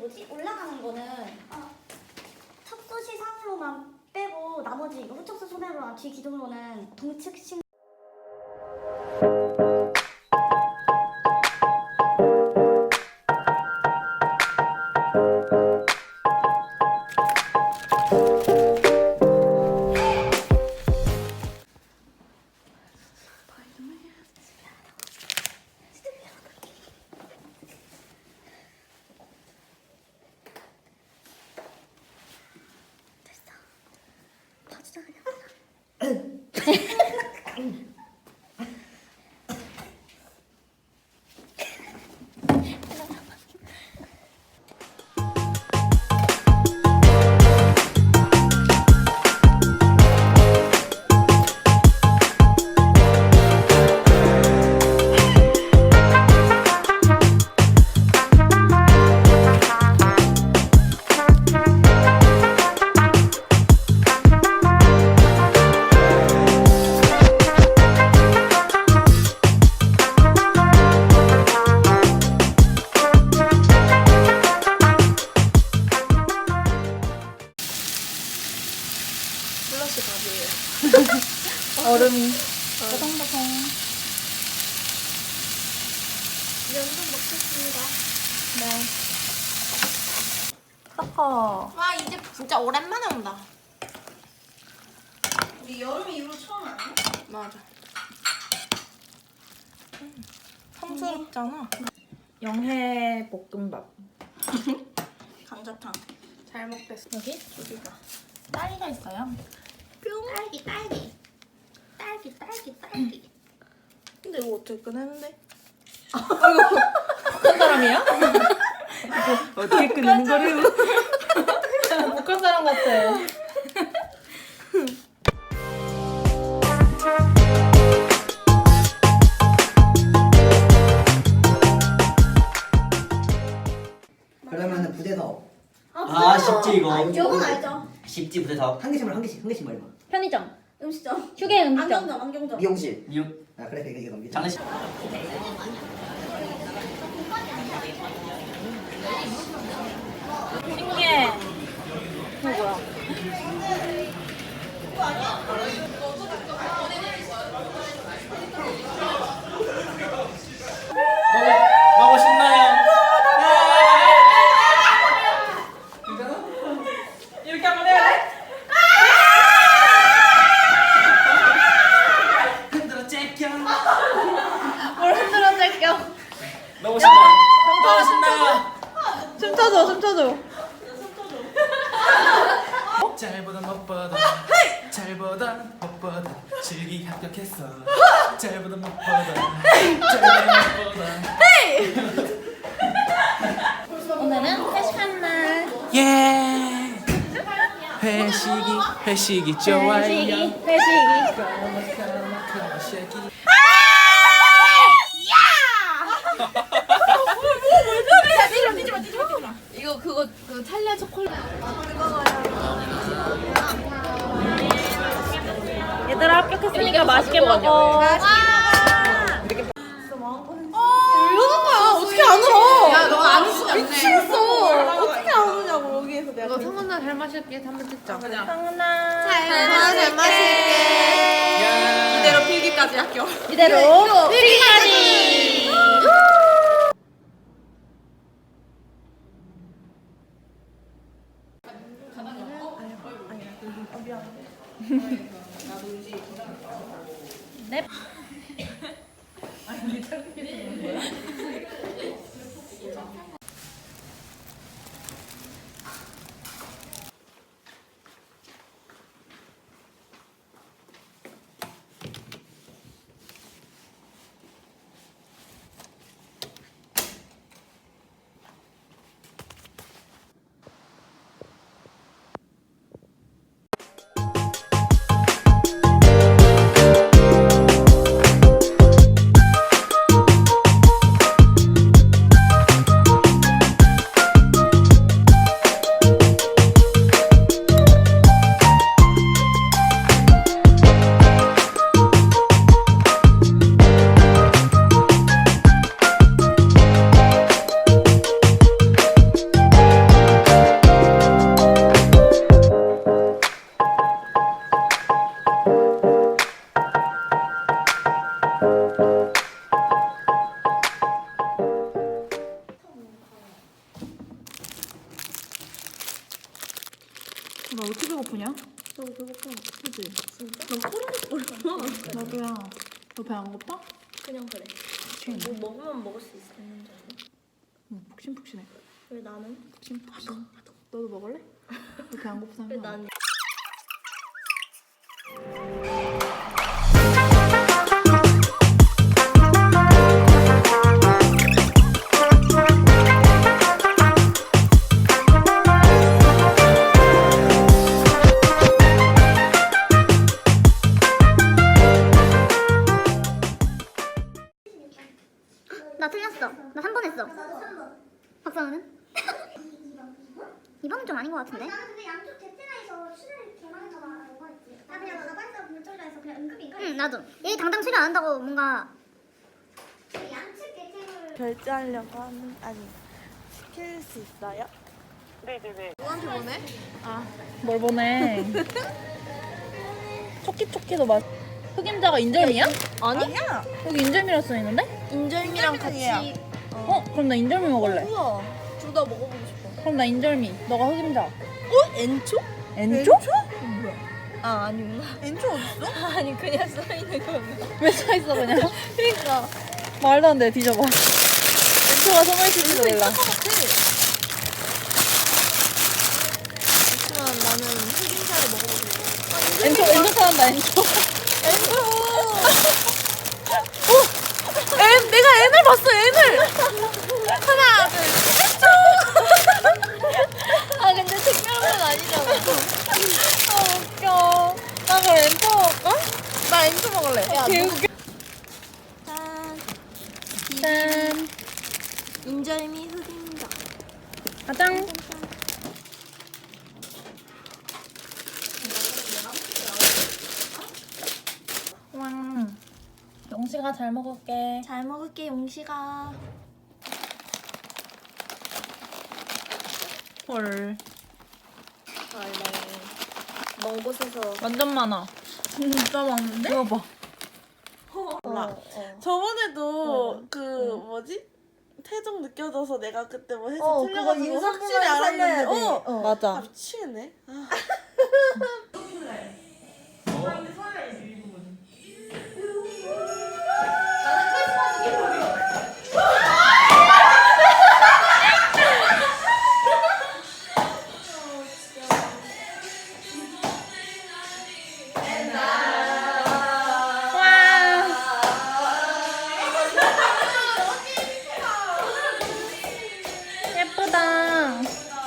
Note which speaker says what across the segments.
Speaker 1: 뭐지? 올라가는 거는 척수 시상으로만 빼고 나머지 이거 후척수 소매로랑 뒤 기둥로는 동측신.
Speaker 2: 플러시 밥이에요. 얼음이.
Speaker 1: 보송보송. 면도 먹겠습니다.
Speaker 2: 네. 섞어.
Speaker 3: 와 이제 진짜 오랜만에 온다.
Speaker 1: 우리 여름 이후로 처음 아니야?
Speaker 3: 맞아. 성스럽잖아.
Speaker 2: 영해 볶음밥.
Speaker 1: 감자탕.
Speaker 3: 잘 먹겠어.
Speaker 2: 여기 조리가. 딸기가 있어요.
Speaker 1: 딸기 딸기. 딸기 딸기 딸기.
Speaker 3: 근데 이거 어떻게 꺼내는데?
Speaker 2: 북한 사람이야?
Speaker 3: 어떻게 끄는 거래요?
Speaker 2: 북한 사람 같아.
Speaker 4: 그러면은 부대서
Speaker 5: 쉽지 이거.
Speaker 1: 이건 알죠?
Speaker 5: 쉽지 부대사.
Speaker 4: 한 개씩만 얼마?
Speaker 1: 편의점. 음식점.
Speaker 2: 휴게 음식점.
Speaker 1: 안경점 안경점.
Speaker 4: 미용실.
Speaker 5: 미육.
Speaker 4: 아 그래 이거 넘기자.
Speaker 5: 장례식.
Speaker 2: 신기해. 이거 뭐야?
Speaker 5: 너무 신나요.
Speaker 2: 이렇게 한번 해야 돼?
Speaker 5: 흔들어 째껴.
Speaker 2: 뭘 흔들어 낼게요.
Speaker 5: 너무 신나요. 너무 신나요.
Speaker 2: 춤춰줘, 춤춰줘.
Speaker 6: 잘보다 못보다 잘보다 못보다 실기 합격했어. 잘보다 못보다 잘보다 못보다
Speaker 2: 오늘은 회식하는 날.
Speaker 6: 예 회식이 좋아요.
Speaker 2: 회식이.
Speaker 6: 회식이
Speaker 3: 이거 그거 그 찰리아 초콜릿.
Speaker 2: 얘들아 합격했으니까 맛있게 먹어.
Speaker 3: 이러는 거야. 어떻게 안 울어? 야, 너 안 웃으면 안 돼. 미치겠어. 어떻게 안 우냐고 여기에서 내가. 너 성훈아 잘 마실게. 한번 찍자. 그냥.
Speaker 2: 상은아.
Speaker 3: 잘 마실게. 이대로 필기까지 할게요.
Speaker 2: 이대로 필기까지. 넵. 나 왜 이렇게 배고프냐? 나도 배고파. 그치? 진짜? 난 꼬르륵거려. 나도야. 너 배 안 고파?
Speaker 1: 그냥 그래. 뭐 먹으면 먹을 수 있는 줄 알아?
Speaker 2: 응, 푹신푹신해.
Speaker 1: 왜 나는?
Speaker 2: 푹신푹신. 너도 먹을래? 너 배 안 고프다면?
Speaker 1: 왜 나는?
Speaker 7: 나 틀렸어. 나 3번 했어. 박상우는? 2번은 좀 아닌 것 같은데?
Speaker 8: 나는 근데 양쪽 대체나에서 출혈이 개 많다고 했지. 나 그냥 나가 빠져서 물절라해서 그냥 은근히
Speaker 7: 응, 나도. 얘 당당 치료 안 한다고 뭔가.
Speaker 8: 양측 대체물
Speaker 3: 결제하려고 하는 아니 시킬 수 있어요? 누구한테 보내?
Speaker 2: 뭘 보내? 초키초키도 맛. 흑임자가 인절미야?
Speaker 3: 아니야.
Speaker 2: 여기 인절미라 써있는데?
Speaker 3: 인절미랑 같이.
Speaker 2: 그럼 나 인절미 먹을래.
Speaker 3: 우와. 둘 다 먹어보고 싶어.
Speaker 2: 그럼 나 인절미. 너가 흑임자.
Speaker 3: 엔초?
Speaker 2: 엔초?
Speaker 3: 아 아니구나. 엔초 어딨어?
Speaker 2: 아니 그냥 써있는 거는. 왜 써있어 그냥? 그러니까. 말도 안 돼. 뒤져봐. 엔초가 숨어있을지도 몰라.
Speaker 3: 하지만 나는 흑임자를 먹어보고 싶어.
Speaker 2: 엔초 사한다 엔초.
Speaker 3: 내가 N을 봤어 N을. 하나 둘 셋.
Speaker 2: 아 근데 특별한 아니잖아. 아 웃겨. 나 그럼 엔초 먹을까?
Speaker 3: 나 엔초 먹을래. 야,
Speaker 2: 개웃겨.
Speaker 3: 짠.
Speaker 2: 짠.
Speaker 3: 인절미 흑임자.
Speaker 2: 가장. 와. 영식아 잘 먹을게.
Speaker 3: 잘 먹을게 용식아.
Speaker 2: 헐.
Speaker 1: 먼 곳에서
Speaker 2: 완전 많아. 진짜 많은데? 이거 봐.
Speaker 3: 몰라. 저번에도 그 뭐지? 태정 느껴져서 내가 그때 뭐 해서 틀려가지고 확실히 알았는데
Speaker 2: 맞아.
Speaker 3: 아 미치겠네. 아.
Speaker 2: 예쁘다.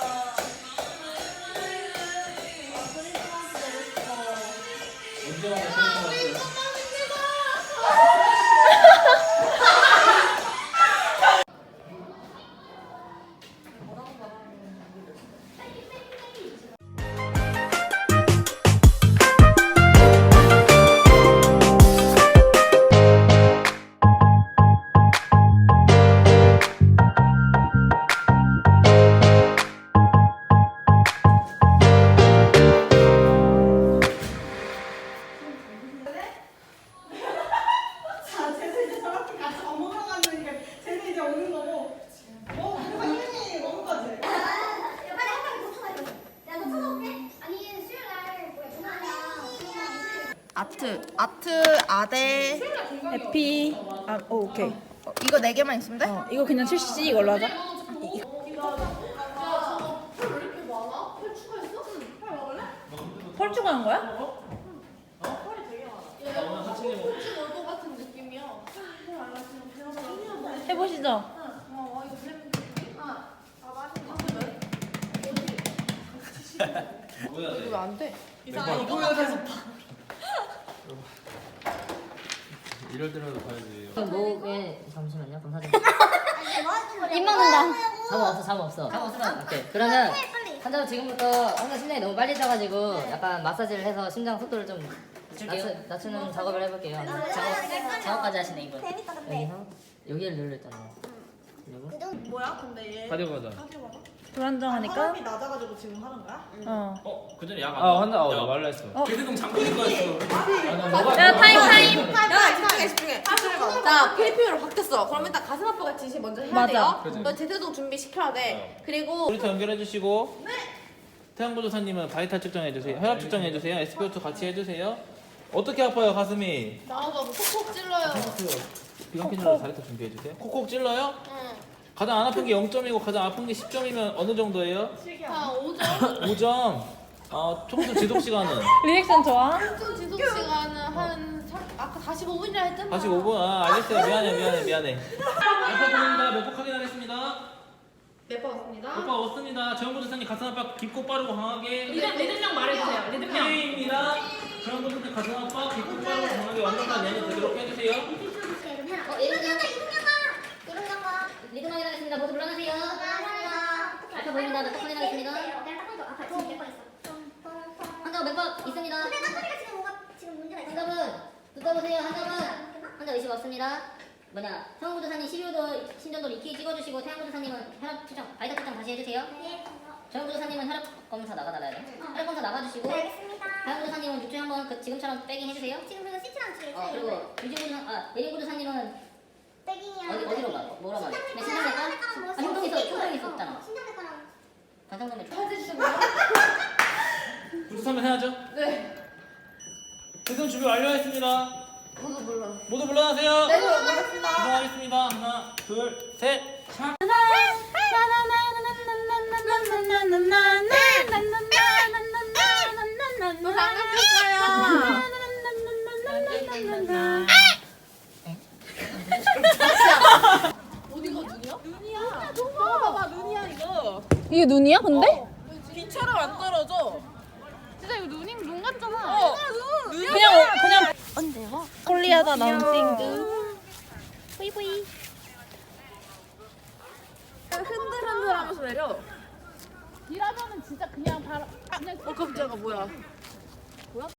Speaker 3: 아트 아대
Speaker 2: 에피. 아, 오케이.
Speaker 3: 이거 4개만 있으면 돼?
Speaker 2: 이거 그냥 7cc 이걸로 하자. 펄 추가한 거야? 해보시죠.
Speaker 3: 이거 왜 안 돼?
Speaker 6: 이럴 때라도 봐야지.
Speaker 9: 목에 잠시만요. 그럼 사진.
Speaker 1: 입 먹는다.
Speaker 9: 잠 없어. 오케이. 그러면 환자 지금부터 항상 심장이 너무 빨리 뛰어가지고 약간 마사지를 해서 심장 속도를 좀 낮추는 작업을 해볼게요. 작업까지 하시네 이분. 여기서 여기를 눌렀잖아요. 그리고
Speaker 3: 뭐야? 근데 얘
Speaker 6: 가져가자.
Speaker 2: 불안정하니까.
Speaker 3: 사람이 낮아가지고 지금 하는 거야?
Speaker 5: 그 전에 약안
Speaker 6: 아 환자 나 말라 했어.
Speaker 5: 개드동 잠그는 거였어.
Speaker 2: 야 타임.
Speaker 3: 야 집중해. 자 PP로 바뀌었어. 그럼 일단 가슴 아프가 지시 먼저 해야
Speaker 2: 맞아.
Speaker 3: 돼요.
Speaker 6: 그치.
Speaker 3: 너 제태동 준비 시켜야 돼. 그리고
Speaker 6: 모니터 연결해 주시고.
Speaker 5: 태양보조사님은 바이탈 측정해주세요. 혈압 측정해주세요. SpO2 같이 해주세요. 어떻게 아파요 가슴이?
Speaker 3: 나오가 콕콕 찔러요.
Speaker 5: 비강캔줄로 다이어트 준비해주세요. 콕콕 찔러요?
Speaker 3: 응.
Speaker 5: 가장 안 아픈 게 0점이고 가장 아픈 게 10점이면 어느 정도예요?
Speaker 3: 한 5점.
Speaker 5: 5점. 총수 지속 시간은?
Speaker 2: 리액션 좋아?
Speaker 3: 총 지속 시간은 아까 45분이라 했던
Speaker 5: 45분? 알겠어요. 미안해. 알파고입니다. 몇 번 확인하겠습니다.
Speaker 3: 몇번 왔습니다.
Speaker 5: 오빠 왔습니다. 정보조사님 가슴 압박 깊고 빠르고 강하게.
Speaker 3: 리듬명 말해주세요. 리듬명.
Speaker 5: K입니다. 정보조사님 가슴 압박 깊고 빠르고 강하게 완벽한 연습 되도록 해주세요.
Speaker 9: 리듬 확인하겠습니다. 모두 물러나세요. 알파 보입니다. 몇번 확인하겠습니다. 환자 몇번 있습니다. 환자분 눈 떠보세요. 환자 의식 없습니다. 성우조사님 12도 심전도로 EKG 찍어주시고 태양보조사님은 혈압 측정, 바이탈 측정 다시 해주세요. 정보조사님은 혈압 검사 나가달라요. 혈압 검사 나가주시고 태양보조사님은 6주에 한번 지금처럼 빼깅 해주세요. 그리고 예린보조사님은 어디로 가? 뭐라 말해? 그냥 신장내과? 흉통이 있었잖아. 관상동맥.
Speaker 5: 부조사면 해야죠?
Speaker 3: 네.
Speaker 5: 대선 준비 완료했습니다. 모두 물러나세요.
Speaker 3: 네, 물러났습니다.
Speaker 5: 하겠습니다. 하나, 둘, 셋. 샷.
Speaker 3: 너 반갑겠어요. 어디가 눈이야? 눈이야. 봐봐 눈이야 이거.
Speaker 2: 이게 눈이야 근데?
Speaker 3: 빛처럼 안 떨어져. 진짜 이거 눈 같잖아.
Speaker 2: 그냥 콜리하다 나온 띵드.
Speaker 3: 뿌이뿌이. 흔들흔들하면서 내려. 일하면은 진짜 그냥 바로 그냥. 깜짝아 뭐야?